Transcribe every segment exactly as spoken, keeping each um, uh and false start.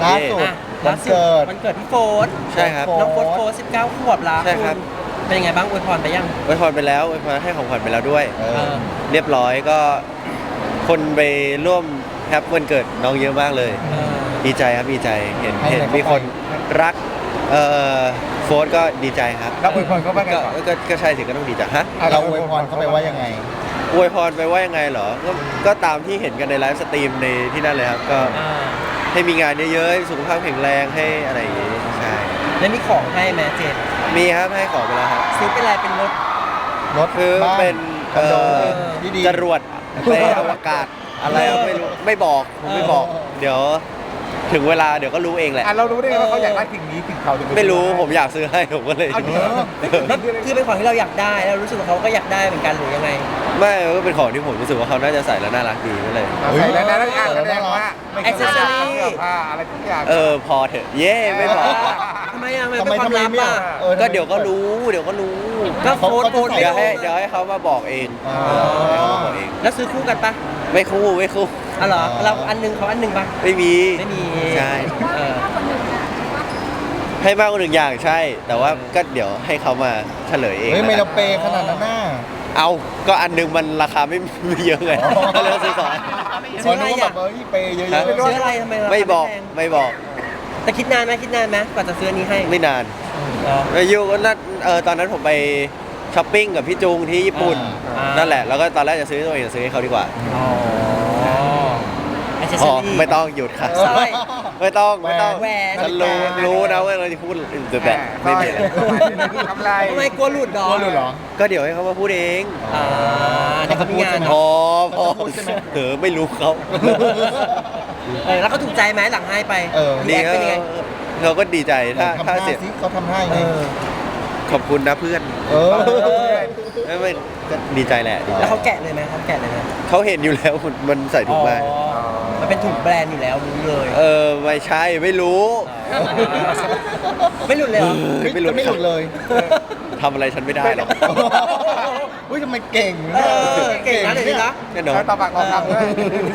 ล่าสุดวันเกิดวันเกิดพี่โฟนใช่ครับน้องโฟนโฟนสิบเก้าขวบแล้วใช่ครับณเป็นยังไงบ้างอวยพรไปยังอวยพรไปแล้วอวยพรให้ของขวัญไปแล้วด้วยเอเอออเรียบร้อยก็คนไปร่วมแฮปวันเกิดน้องเยอะมากเลยเออดีใจครับดีใจเห็นให้เห็นอะไรมีคนรักเอ่อโฟร์ก็ดีใจครับแล้วอวยพรเขาว่าไงก็ก่อนก็ก็ใช่สิก็ต้องดีใจฮะอ่ะเราอวยพรเขาไปว่ายังไงอวยพรไปว่ายังไงเหรอก็ก็ตามที่เห็นกันในไลฟ์สตรีมในที่นั่นเลยครับก็อ่าให้มีงานเยอะๆให้สุขภาพแข็งแรงให้อะไรอย่างงี้ใช่แล้วมีของให้แม่เจนมีครับให้ของไปแล้วครับซื้อเป็นอะไรเป็นรถรถคือบ้านเป็นคอนโดเอ่อที่ดีจรวดไปอวกาศอะไรอะไม่รู้ไม่บอกผมไม่บอกเออเดี๋ยวถึงเวลาเดี๋ยวก็รู้เองแหละอ่ะเรารู้ได้ไงว่าเขาอยากได้สิ่งนี้สิ่งเขาถึงปไม่รู้ผมอยากซื้อให้ผมก็เลยเอาเดี๋ยวคือเป็นของที่เราอยากได้แล้วรู้สึกว่าเขาก็อยากได้เหมือนกันหรือยังไงไม่ก็เป็นของที่ผมรู้สึกว่าเขาน่าจะใส่แล้วน่ารักดีก็เลยเอาใส่แล้วนะแล้วอ่ะแสดงว่าไม่แอ็กเซสซอรี่เสื้อผ้าอะไรทุกอย่างเออพอเถอะเย่ไม่บอกทำไมอ่ะทำมันไมเป็นความทำไมลับไม่อ่ะอ่ะออก็เดี๋ยวก็รู้เดี๋ยวก็รู้ก็เขาโฟนเขาโฟนจะใส่เดี๋ยวให้เดี๋ยวให้เขามาบอกเองอ๋อให้เขามาบอกเองแล้วซื้อคู่กันปะไม่คู่ไม่คู่อ๋อเหรออ๋อเราอันหนึงเขาอันหนึงปะไม่มีไม่มีใช่เออให้มากกว่าหนึ่งอย่างใช่ แต่ว่าก็เดี๋ยวให้เขามาเฉลยเองเฮ้ยไม่แล้วเรากันเปย์ขนาดนั้นน่ะเอาก็อันหนึงมันราคาไม่ไม่เยอะไงอ๋อก็เลยต้องซื้อสองอันซื้ออะไรนึกว่าแบอ่ะบเอ้ยเปย์เยอะฮะๆซื้ออะไรทำไมราคาไม่บอกแพงไม่บอกแต่คิดนานไหมคิดนานไหมกว่าจะซื้ออันนี้ให้ไม่นานเหรออายุก็นั่นเออตอนนั้นผมไปช้อปปิ้งกับพี่จุงที่ญี่ปุ่นอ่านั่นั่นแหละแล้วก็ตอนแรกจะซื้อตัวเองจะซื้อให้เขาดีกว่าอ๋อแอคเซสพซออรี่ไม่ต้องหยุดค่ะสร้อยไม่ต้องไม่ต้องแหวนฉันรู้นาฬิการู้นะว่าเราจะพูดแต่แบบไม่มีอะไรทำไรทำไมกลัวหลุดดอกกลัวหลุดเหรอก็เดี๋ยวให้เขามาพูดเองอ่าเดี๋ยวเขามีงานพอพอเขาจะพูดใช่ไหมเออไม่รู้เขาเออแล้วก็ถูกใจไหมหลังให้ไปเออรีดีแอคเขาเป็นยังไงเขาก็ดีใจถ้าทำถ้าท่าเสร็จสิเขาทำท่ายังเอไงอขอบคุณนะเพื่อนเออไม่ไม่ก็ดีใจแหละดีใจแล้วเขาแกะเลยไหมเขาแกะเลยไหมเขาเห็นอยู่แล้วมันใส่ถุงมาอ๋อมันเป็นถุงแบรนด์อยู่แล้วรู้เลยเออไม่ใช่ไม่รู้ไม่หลุดเลยเหรอไม่ไม่หลุดไม่หลุดเลยทำอะไรฉันไม่ได้หรอกเฮ้ยทำไมเก่งเออเก่งนะเดี๋ยวนี้นะแน่นอนแล้วต่อปากต่อคำด้วย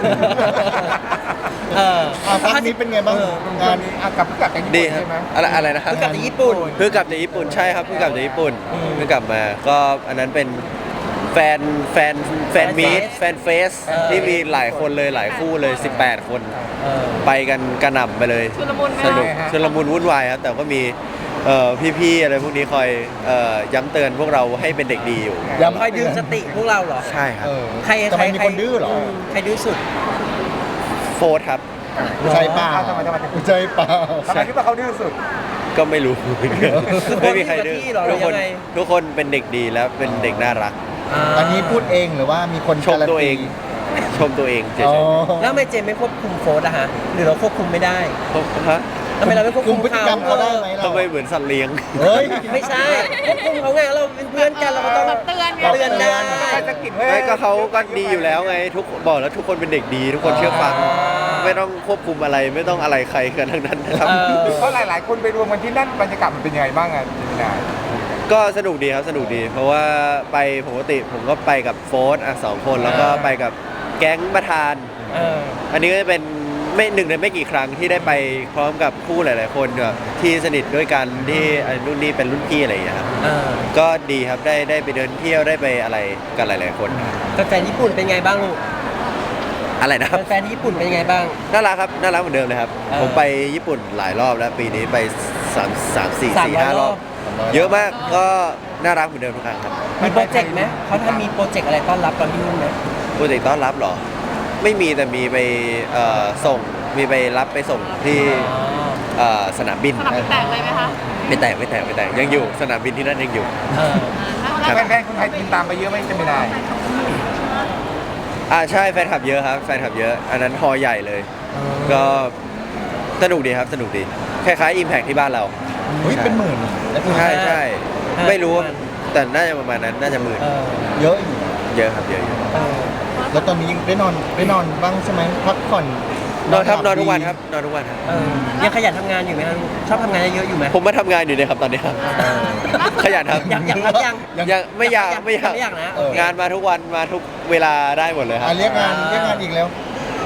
เอออ่ะพักนี้เป็นไงบ้างเอองานอ่ะกลับกลับจากญี่ดีปุ่นครับใช่ไหมอะไรอะไรนะครัเพิ่บงกลับจากญี่ปุ่นเพิ่งกลับจากญี่ปุ่นใช่ครับเพิ่งกลับจากญี่ปุ่นอืมเพิ่งกลับมาก็อันนั้นเป็นแฟนแฟนแฟนมีตแฟนเฟสเออที่มีหลายคนเลยหลายคู่เลยสิบแปดคนเออไปกันกระหน่ำไปเลยชุลมุนไหมสนุกชุลมุนวุ่นวายครับแต่ก็มีเอ่อพี่ๆอะไรพวกนี้คอยเอ่อย้ำเตือนพวกเราให้เป็นเด็กดีอยู่ย้ำคอยดึงสติพวกเราเหรอใช่ครับเออใครทำใครไมมีคนดื้อเหรอมใครดื้อสุดโฟร์ครับใจเปล่าทำไมทำไมทำไมใจเปล่าทำไมคิดว่าเขาดื้อสุดก็ไม่รู้ ไม่มีใครดื้อทุกคนที่เหรอหรืทุอก ยัคนงไงทุกคนเป็นเด็กดีแล้วเป็นเด็กน่ารักอันนี้พูดเองหรือว่ามีคนชมตัวเอง ชมตัวเองเฉอ๋อยแล้วทำไมเจมไม่ควบคุมโฟร์อะฮะหรือเราควบคุมไม่ได้ๆฮะทำไมเราไม่ควบคุคุมมพฤติกรรมเขาได้ไหมเราทำไมเหมือนสัตว์เลี้ยงเฮ้ยไม่ใช่ควบคุมเขาไงเราเป็นเพื่อนกันเราก็ต้องเตือนไงเตือนได้ใครจะกินเฮ้ยไม่ก็เขาก็ดีอยู่แล้วไง ทุกบอกแล้วทุกคนเป็นเด็กดี ทุกคนเชื่อฟังอ่าไม่ต้องควบคุมอะไรไม่ต้องอะไรใครกันทั้งนั้นนะครับเออเพราะหลาย ๆ คนไปรวมกันที่นั่นบรรยากาศมันเป็นยังไงบ้างอ่ะจิมินาก็สนุกดีครับสนุกดี เพราะว่าไปปกติผมก็ไปกับโฟร์อ่ะสองคนแล้วก็ไปกับแก๊งประธานเอออันนี้ก็จะเป็นไม่หนึ่งในไม่กี่ครั้งที่ได้ไปพร้อมกับคู่หลาย ๆ คนแบบที่สนิทด้วยกันที่อ่ะรุ่นนี้เป็นรุ่นพี่อะไรอย่างเงี้ยครับเออก็ดีครับได้ได้ไปเดินเที่ยวได้ไปอะไรกันหลาย ๆ คนแฟนๆญี่ปุ่นเป็นไงบ้างลูกอะไรนะครับแฟนๆญี่ปุ่นเป็นไงบ้างน่ารักครับน่ารักเหมือนเดิมเลยครับเออผมไปญี่ปุ่นหลายรอบแล้วปีนี้ไปสามสามสี่สามสี่ร้อยห้ารอบรอบเยอะมากก็น่ารักเหมือนเดิมทุกครั้งครับมีโปรเจกต์ไหมเขาทำมีโปรเจกต์อะไรต้อนรับตอนที่นู่นไหมโปรเจกต์ต้อนรับเหรอ ไม่มีแต่มีไปเอ่อส่งมีไปรับไปส่งที่เอ่อสนามบินสนามบินแตกเลยไหมคะไม่แตกไม่แตกไม่แตกยังอยู่สนามบินที่นั่นยังอยู่เออครับแฟนๆคนไทยกินตามไปเยอะไหมจิมินาอ่าใช่แฟนคลับเยอะครับแฟนคลับเยอะ อันนั้นฮอลล์ใหญ่เลย ก็สนุกดีครับสนุกดีคล้ายๆ Impact ที่บ้านเราเฮ้ยเป็นหมื่นแล้วคือใช่ใช่ห้าไม่รู้ว่าแต่น่าจะประมาณนั้นน่าจะหมื่นเออเยอะอยู่เยอะครับเยอะอยู่เออแล้วตอนนี้ได้นอนได้นอนบ้างใช่ไหมพักผ่อนนอนครับหนลัอนทุกวันครับนอนทุกวันครับเออยังขยันทำงานอยู่ไหมครับลูกชอบทำงานเยอะๆอยู่ไหมผมมาทำงานอยู่เนี่ยครับตอนนี้ครับ ขยันครับอยากอยากรับยังยังไม่อยากไม่อยากไม่อยากนะเอองานมาทุกวันมาทุกเวลาได้หมดเลยครัอ่ะบเรียกงานเรียกงานอีกแล้ว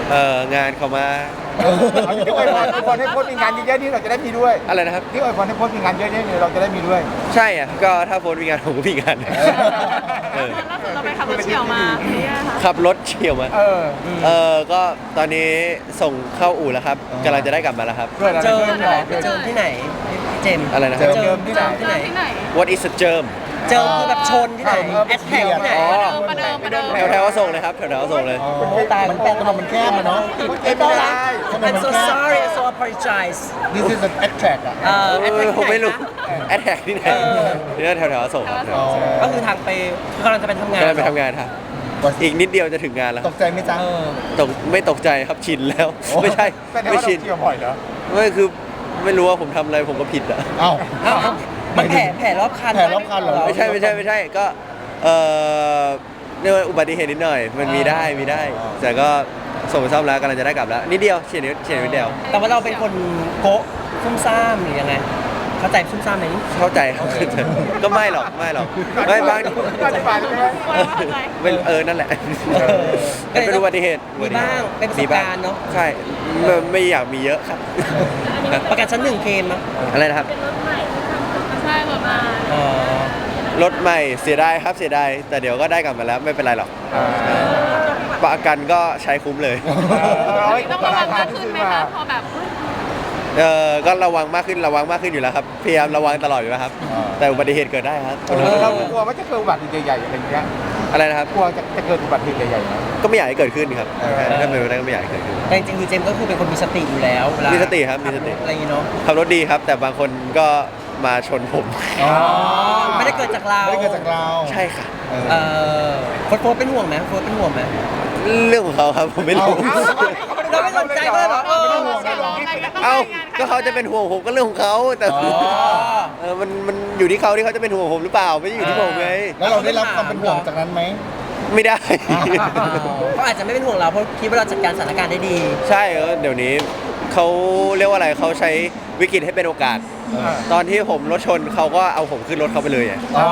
เอองานเขามาที่อวยพรอวยพรให้โพสต์มีงานเยอะๆนี่เราจะได้มีด้วยอะไรนะครับที่อวยพรให้โพสต์มีงานเยอะๆนี่เราจะได้มีด้วยใช่อ่ะก็ถ้าโฟนมีงานผมก็มีงานเออล่าสุดเราไปขับรถเฉี่ยวมาเนี่ยค่ะขับรถเฉี่ยวมาเออเออก็ตอนนี้ส่งเข้าอู่แล้วครับกำลังจะได้กลับมาแล้วครับเกิดอะไรเจอขึ้นเหรอเกิดเจอที่ไหนพี่เจมส์อะไรนะคเจรับอเจิมที่ไหนที่ไหนที่ไหน What is a germ เจอคือแบบชนที่ไหนเออแอดแท็กที่ไหนอ๋อประเดิมประเดิมแถวแถวๆก็ส่งเลยครับแถวแถวๆก็ส่งเลยอ๋อโอ้ตายมันถนนมันแคบอะเนาะไอ้ต้อนรับถนน I'm มัน so แคบ sorry I'm so apologize This is an attract อ่ะเอ่อเอแอดแท็อก ผมไม่รู้ที่หนคะแอดแท็กที่ไหนเออนี่แถวแถวๆก็ส่งครับอ๋อก็คือทางไปกำลังจะไปทำงานกำลังไปทำงานครับอีกนิดเดียวจะถึงงานแล้วตกใจไหมจ๊ะเออตกไม่ตกใจครับชินแล้วโอ้ไม่ใช่แต่ถ้าไม่ว่าเราชินเที่ยวบ่อยเหรอไม่คือไม่รู้ว่าผมทำอะไรผมก็ผิดอ่ะเอ้าเอ้ามันแผลแผลรอบคันแผลรอบคันเหรอไม่ใช่ไม่ใช่ไม่ใช่ก็เออเรียกว่าอุบัติเหตุนิดหน่อย มันมีได้มีได้ แต่ก็ส่งไปซ่อมแล้วกำลังจะได้กลับแล้วนิดเดียวเฉียดนิดเฉียดนิดเดียวแต่ว่าเราเป็นคนโกะซุ่มซ่ามหรือยังไง เข้าใจซุ่มซ่ามไหมนี่เข้าใจครับก็ไม่หรอกไม่หรอกไม่บางอธิบายได้ไหมเป็นเออนั่นแหละเออมันเป็นอุบัติเหตุมีบ้างเป็นประสบการณ์เนอะใช่ไม่ไม่อยากมีเยอะครับประกันชั้นหนึ่งเคลมมั้ยอะไรนะครับใช่แบบมาอ๋อรถใหม่เสียดายครับเสียดายแต่เดี๋ยวก็ได้กลับมาแล้วไม่เป็นไรหรอกอ่าประกันก็ใช้คุ้มเลยต้องระวังมากขึ้นไหมคะพอแบบเออก็ระวังมากขึ้นระวังมากขึ้นอยู่แล้วครับพยายามระวังตลอดอยู่แล้วครับอ่าแต่อุบัติเหตุเกิดได้ครับเรากลัวว่าจะเกิดอุบัติเหตุใหญ่ๆอะไรอย่างเงี้ยอะไรนะครับกลัวจะจะเกิดอุบัติเหตุใหญ่ๆไหมก็ไม่อยากให้เกิดขึ้นครับถ้าเป็นไปได้ก็ไม่อยากให้เกิดขึ้นแต่จริงๆคือเจมส์ก็คือเป็นคนมีสติอยู่แล้วเวลามีสติครับมีสติอะไรอย่างงี้เนาะขับรถดีครับ แต่บางคนก็มาชนผมอ๋อไม่ได้เกิดจากเราไม่ได้เกิดจากเราใช่ค่ะเออเออโฟร์โฟร์เป็นห่วงไหมโฟร์เป็นห่วงไหมเรื่องของเขาครับผมไม่รู้เอาเราไม่สนใจก็เลยแบบเออเอ้าก็เขาจะเป็นห่วงผมก็เรื่องของเขาแต่อ๋อเออมันมันอยู่ที่เขาที่เขาจะเป็นห่วงผมหรือเปล่าไม่ได้อยู่ที่ผมไงแล้วเราได้รับความเป็นห่วงจากนั้นไหมไม่ได้เขาอาจจะไม่เป็นห่วงเราเพราะคิดว่าเราจัดการสถานการณ์ได้ดีใช่เออเดี๋ยวนี้เขาเรียกว่าอะไรเขาใช้วิกฤตให้เป็นโอกาส ตอนที่ผมรถชนเขาก็เอาผมขึ้นรถเขาไปเลยอะอ๋อ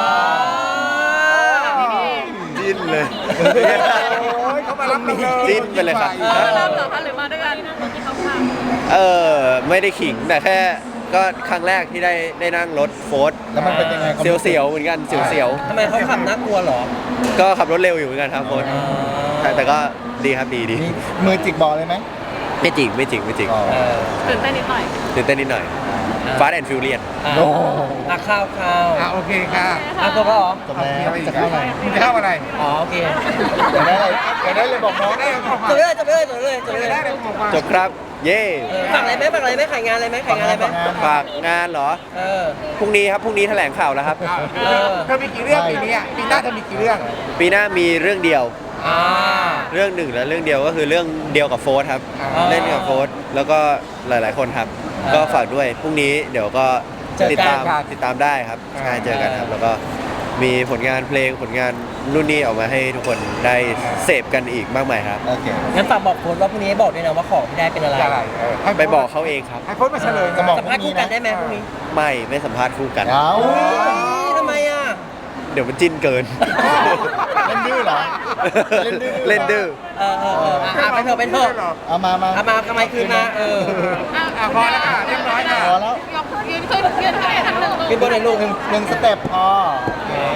จิ้นเลยโอ้ยเขามารับเราเลยจิ้นไปเลยครับมารับเหรอคะหรือมาด้วยกันที่เขาพาเออไม่ได้ขิงแต่แค่ก็ครั้งแรกที่ได้ได้นั่งรถโฟร์ดแล้วมันเป็นยังไงเสียวๆเหมือนกันเสียวทำไมเขาขับน่ากลัวเหรอๆก็ขับรถเร็วอยู่เหมือนกันครับโฟร์ดแต่แต่ก็ดีครับดีดีมีมือจิกบอลเลยไหมไม่จริงไม่จริงไม่จริงอ๋อเออตื่นเต้นนิดหน่อยตื่นเต้นนิดหน่อยฟาสแอนด์ฟิวเรียนอ่ะโอ้โหอ่ะข้าวข้าวอ่ะโอเคค่ะอ่ะตัวก็เหรอจบแล้วมีจะอะไรเข้าไหนอีกจะเข้าอะไรอ๋อโอเคอยากได้อะไรอยากได้เลยบอกน้องได้เลยบอกจมาบเลยจบเลยจบเลยจบเลยได้เลยบอกมาจบครับ เย่เออฝากอะไรไหมฝากอะไรไหมขายงานอะไรไหมขายงานอะไรไหมฝากงานเหรอเออพรุ่งนี้ครับพรุ่งนี้แถลงข่าวแล้วครับอ่ะเธอมีกี่เรื่องปีนี้อ่ะปีหน้าเธอมีกี่เรื่องปีหน้ามีเรื่องเดียวอ่าเรื่องหนึ่งและเรื่องเดียวก็คือเรื่องเดียวกับโฟร์ครับอ่าเล่นกับโฟร์แล้วก็หลาย ๆ คนครับอ่าก็ฝากด้วยพรุ่งนี้เดี๋ยวก็เจอกันติดตามติดตามได้ครับอ่าใช่เจอกันครับ แล้วก็มีผลงานเพลงผลงานรุ่นนี้ออกมาให้ทุกคนได้เสพกันอีกมากมายครับโอเคงั้นฝากบอกโค้ดว่าพรุ่งนี้ให้บอกด้วยนะว่าของที่ได้เป็นอะไรอะไรเออให้ไปบอกเขาเองครับให้โพสต์มาเฉลยจะบอกสัมภาษณ์คู่กันได้ไหมพรุ่งนี้ไม่ไม่สัมภาษณ์คู่กันเอาอุ๊ยทำไมอ่ะเดี๋ยวมันจิ้นเกินเล่นดื้อเหรอ เล่นดื้อเล่นดื้อเออเออเอออ่ะอ่ะไปเถอะไปเถอะเอามามาเอามาทำไมคืนมาเอออ่ะพอแล้วค่ะเรียบร้อยค่ะพอแล้วยกยืนขึ้นยืนขึ้นทันหนึ่งขึ้นบนไหนลูกหนึ่งหนึ่งสเต็ปพอโอเค